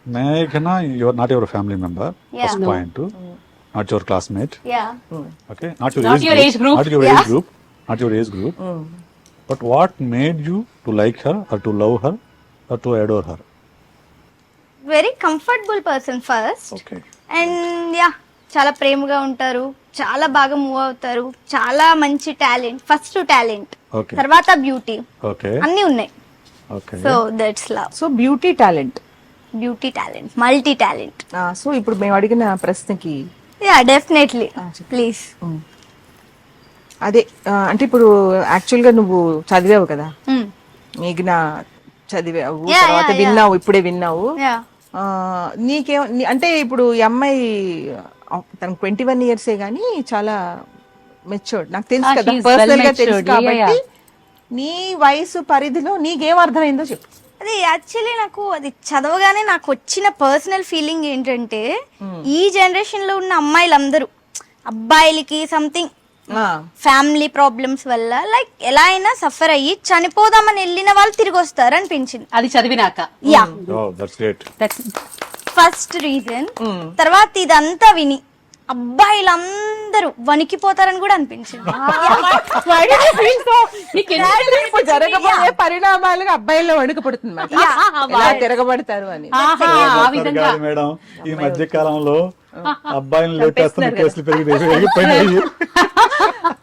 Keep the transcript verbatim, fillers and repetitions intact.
Meghna, you're not your family member. Yeah. First No. point. Not your classmate. Yeah. Okay. Not your, Not age, your group. age group. Not your Yeah. age group. Not your age group. But what made you to like her or to love her or to adore her? Very comfortable person first Okay. And yeah చాలా ప్రేమగా ఉంటారు, చాలా బాగా move అవుతారు, చాలా మంచి talent, first talent, Okay. తర్వాత beauty, Okay. అన్నీ ఉన్నాయి. Okay. So that's love. So beauty talent. Beauty talent, multi talent. So ఇప్పుడు మేము అడిగిన ప్రశ్నకి యా డెఫినెట్లీ Ah, చెప్పు. ప్లీజ్. అదే ఆ, అంటే ఇప్పుడు యాక్చువల్ గా నువ్వు చదివావు కదా, మిగిలిన చదివావు, Yeah, తర్వాత yeah, yeah. విన్నావు, ఇప్పుడే విన్నావు. యా ఆ, నీకేం నీ- అంటే ఇప్పుడు ఈ అమ్మాయి ఆ, తనకు ట్వంటీ వన్ ఇయర్సే గానీ చాలా మెచ్యూర్డ్, నాకు తెలుసు Ah, కదా, she's well పర్సనల్ గా తెలుసు matured. Yeah, కాబట్టి yeah. నీ వయసు పరిధిలో నీకేం అర్థమైందో చెప్పు. అది యాక్చువల్లీ నాకు అది చదవగానే నాకు వచ్చిన పర్సనల్ ఫీలింగ్ ఏంటంటే ఈ జనరేషన్ లో ఉన్న అమ్మాయిలందరూ అబ్బాయిలకి సంథింగ్ ఆ, ఫ్యామిలీ ప్రాబ్లమ్స్ వల్ల లైక్ ఎలా అయినా సఫర్ అయ్యి చనిపోదామని వెళ్ళిన వాళ్ళు తిరిగి వస్తారు అనిపించింది. అది చదివినాక yeah Oh, that's great. That's- first reason. తర్వాత ఇదంతా విని అబ్బాయిలందరూ వణికిపోతారని కూడా అనిపించింది. నీకు ఎందుకు ఇప్పుడు జరగబోయే పరిణామాలుగా అబ్బాయిల్లో వణుకుపడుతుంది మాట. ఎలా తిరగబడతారు అని. ఆహా, ఆ విధంగా కాదు మేడం, ఈ మధ్య కాలంలో అబ్బాయిని లేపేస్తున్న కేసులు పెరిగి పెరిగిపోయినాయి.